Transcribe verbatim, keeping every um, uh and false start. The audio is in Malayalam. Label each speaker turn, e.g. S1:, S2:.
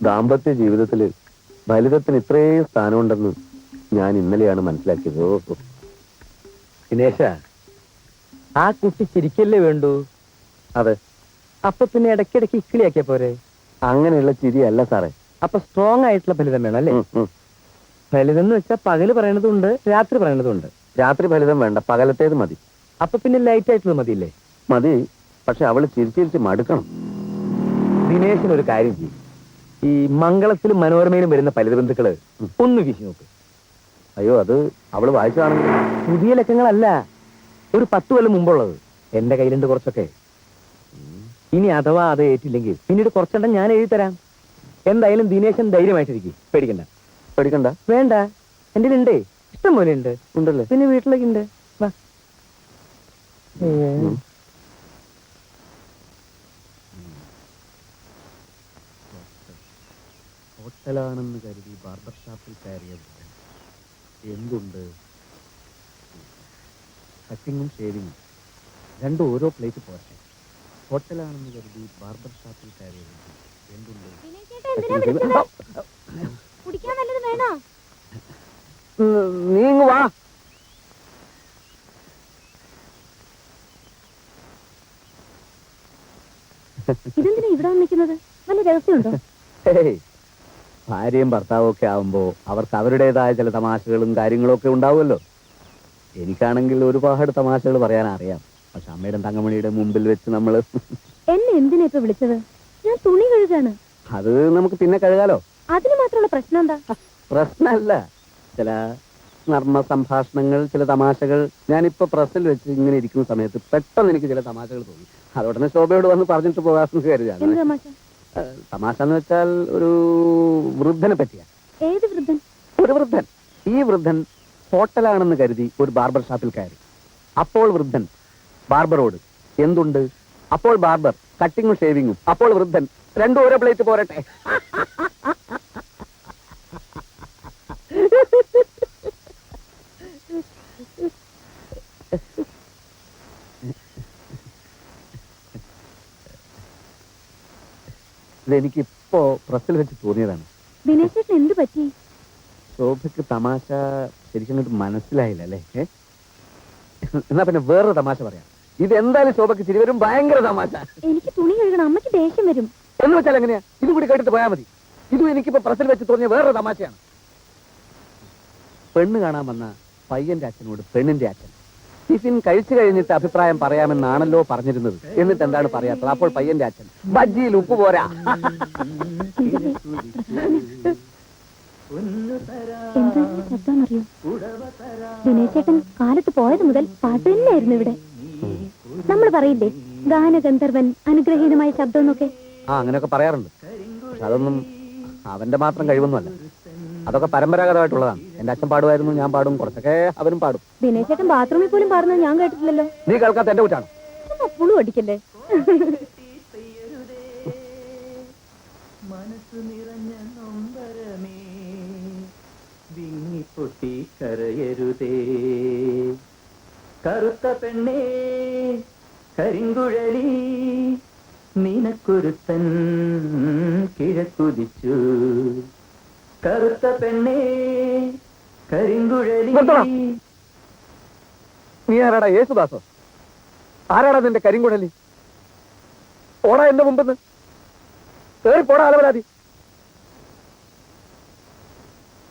S1: ദാമ്പത്യ ജീവിതത്തില് ഫലിതത്തിന് ഇത്രയും സ്ഥാനമുണ്ടെന്ന് ഞാൻ ഇന്നലെയാണ് മനസ്സിലാക്കിയത്. ഓ
S2: ദിനേശ, ആ കുട്ടി ചിരിക്കല്ലേ വേണ്ടു?
S1: അതെ.
S2: അപ്പൊ പിന്നെ ഇടയ്ക്കിടയ്ക്ക് ഇക്കിളിയാക്കിയ പോരെ?
S1: അങ്ങനെയുള്ള ചിരിയല്ല സാറേ.
S2: അപ്പൊ സ്ട്രോങ് ആയിട്ടുള്ള ഫലിതം വേണം അല്ലേ? ഫലിതം എന്ന് വെച്ചാൽ പകല് പറയണതുണ്ട്, രാത്രി പറയണതുണ്ട്.
S1: രാത്രി ഫലിതം വേണ്ട, പകലത്തേത് മതി.
S2: അപ്പൊ പിന്നെ ലൈറ്റ് ആയിട്ടുള്ളത് മതിയില്ലേ?
S1: മതി, പക്ഷെ അവള് ചിരിച്ചിരിച്ച് മടുക്കണം.
S2: ദിനേശിനൊരു കാര്യം ചെയ്യും, ഈ മംഗളത്തിലും മനോരമയിലും വരുന്ന ഫലിത ബന്ധുക്കള് ഒന്ന് വീശി നോക്ക്.
S1: അയ്യോ, അത് അവള് വായിച്ചതാണെങ്കിൽ.
S2: പുതിയ ലക്കങ്ങളല്ല, ഒരു പത്ത് കൊല്ലം മുമ്പുള്ളത്. എന്റെ കയ്യിലുണ്ട് കുറച്ചൊക്കെ. ഇനി അഥവാ അത് ഏറ്റില്ലെങ്കിൽ പിന്നീട് കുറച്ചെണ്ണം ഞാൻ എഴുതി തരാം. എന്തായാലും ദിനേശൻ ധൈര്യമായിട്ടിരിക്കും, പേടിക്കണ്ട.
S1: പേടിക്കണ്ട?
S2: വേണ്ട, എന്റെ ഉണ്ടേ, ഇഷ്ടം പോലെ ഉണ്ട്.
S1: ഉണ്ടല്ലേ?
S2: പിന്നെ വീട്ടിലേക്ക് ഉണ്ട്. വാ.
S1: ഹോട്ടലാണെന്ന് കരുതി ബാർബർ ഷാപ്പിൽ കയറിയത് എന്തുണ്ട്? കട്ടിങ്ങും ഷേവിങ്ങും രണ്ടും ഓരോ പ്ലേറ്റ് പോരട്ടെ. ഹോട്ടലാണെന്ന് കരുതി ബാർബർ ഷാപ്പിൽ കയറിയത് എന്തുണ്ട്? നീങ്ങു വാ.
S3: ഇതെന്തിനാ ഇവിടെ നിൽക്കുന്നത്? വല്ല രഹസ്യമുണ്ടോ?
S1: ഭാര്യയും ഭർത്താവും ഒക്കെ ആവുമ്പോ അവർക്ക് അവരുടേതായ ചില തമാശകളും കാര്യങ്ങളും ഒക്കെ ഉണ്ടാവുമല്ലോ. എനിക്കാണെങ്കിൽ ഒരുപാട് തമാശകൾ പറയാൻ അറിയാം. പക്ഷെ അമ്മയുടെ തങ്കമണിയുടെ മുമ്പിൽ വെച്ച് നമ്മള്
S3: എന്നെ എന്തിനാ ഇപ്പൊ വിളിച്ചത്? ഞാൻ തുണി കഴുകാണ്.
S1: അത് നമുക്ക് പിന്നെ കഴുകാലോ.
S3: അതിന് മാത്രമുള്ള പ്രശ്നം എന്താ?
S1: പ്രശ്നമല്ല, ചില നർമ്മ സംഭാഷണങ്ങൾ, ചില തമാശകൾ. ഞാനിപ്പോ പ്രസ്സിൽ വെച്ച് ഇങ്ങനെ ഇരിക്കുന്ന സമയത്ത് പെട്ടെന്ന് എനിക്ക് ചില തമാശകൾ തോന്നി. അതോടനെ ശോഭയോട് വന്ന് പറഞ്ഞിട്ട് പോകാമെന്ന് കരുതിയാണ്. തമാശ എന്ന് വെച്ചാൽ ഒരു വൃദ്ധനെ പറ്റിയാ.
S3: ഏത് വൃദ്ധൻ?
S1: ഒരു വൃദ്ധൻ. ഈ വൃദ്ധൻ ഹോട്ടലാണെന്ന് കരുതി ഒരു ബാർബർ ഷാപ്പിൽ കയറി. അപ്പോൾ വൃദ്ധൻ ബാർബറോട് എന്തുണ്ട്? അപ്പോൾ ബാർബർ കട്ടിങ്ങും ഷേവിങ്ങും. അപ്പോൾ വൃദ്ധൻ രണ്ടും ഓരോ പ്ലേറ്റ് പോരട്ടെ. ഇതെനിക്കിപ്പോ പ്രസ്സിൽ വെച്ച് തോന്നിയതാണ്.
S3: ദിനേശേട്ടൻ എന്ത് പറ്റി?
S1: ശോഭയ്ക്ക് തമാശ ശരിക്കും മനസ്സിലായില്ല അല്ലേ? എന്നാ പിന്നെ വേറൊരു തമാശ പറയാം. ഇത് എന്തായാലും ശോഭയ്ക്ക് ചിരി വരും, ഭയങ്കര തമാശ.
S3: എനിക്ക് തുണി കഴുകണം, അമ്മയ്ക്ക് ദേഷ്യം വരും.
S1: എന്ന് വെച്ചാൽ എങ്ങനെയാ? ഇത് കൂടി കേട്ടിട്ട് പോയാൽ മതി. ഇതും എനിക്കിപ്പോ പ്രസ്സിൽ വെച്ച് തോന്നിയ വേറൊരു തമാശയാണ്. പെണ്ണ് കാണാൻ വന്ന പയ്യന്റെ അച്ഛനോട് പെണ്ണിന്റെ അച്ഛൻ ടിഫിൻ കഴിച്ചു കഴിഞ്ഞിട്ട് അഭിപ്രായം പറയാമെന്നാണല്ലോ പറഞ്ഞിരുന്നത്. എന്നിട്ട് എന്താണ് പറയാത്തത്? അപ്പോൾ പയ്യന്റെ അച്ഛൻ ബജ്ജിയിൽ ഉപ്പ് പോരാ.
S3: എന്താ ശബ്ദമെന്നറിയോ? ദിനേശേട്ടൻ കാലത്ത് പോയത് മുതൽ പാട്ട് തന്നെയായിരുന്നു ഇവിടെ. നമ്മൾ പറയില്ലേ ഗാനഗന്ധർവൻ അനുഗ്രഹീതമായ ശബ്ദം എന്നൊക്കെ?
S1: ആ, അങ്ങനെയൊക്കെ പറയാറുണ്ട്. പക്ഷെ അതൊന്നും അവന്റെ മാത്രം കഴിവൊന്നുമല്ല. അതൊക്കെ പരമ്പരാഗതമായിട്ടുള്ളതാണ്. എന്റെ അച്ഛൻ പാടുമായിരുന്നു, ഞാൻ പാടും, കുറച്ചൊക്കെ അവരും പാടും.
S3: ദിനേശേട്ടൻ ബാത്റൂമിൽ പോലും പാടുന്നത് ഞാൻ കേട്ടിട്ടില്ലല്ലോ.
S1: നീ കേൾക്കാത്ത എന്റെ കുറ്റാണ്.
S3: പുളു അടിക്കല്ലേ?
S2: മനസ്സു നിറഞ്ഞ നൊമ്പരമേ വിങ്ങിപ്പൊട്ടി കരയരുതേ, കറുത്ത പെണ്ണേ കരിങ്കുഴലി നിനക്കൊരുത്തൻ കിഴക്കുതിച്ചു, കറുത്ത പെണ്ണേ കരിങ്കുഴലി.
S1: നീ ആരാടാ? യേശുദാസോ? ആരാടാ നിന്റെ കരിങ്കുഴലി? ഓടാ എന്റെ മുമ്പെന്ന് കേറി പോടാ അലവരാതി.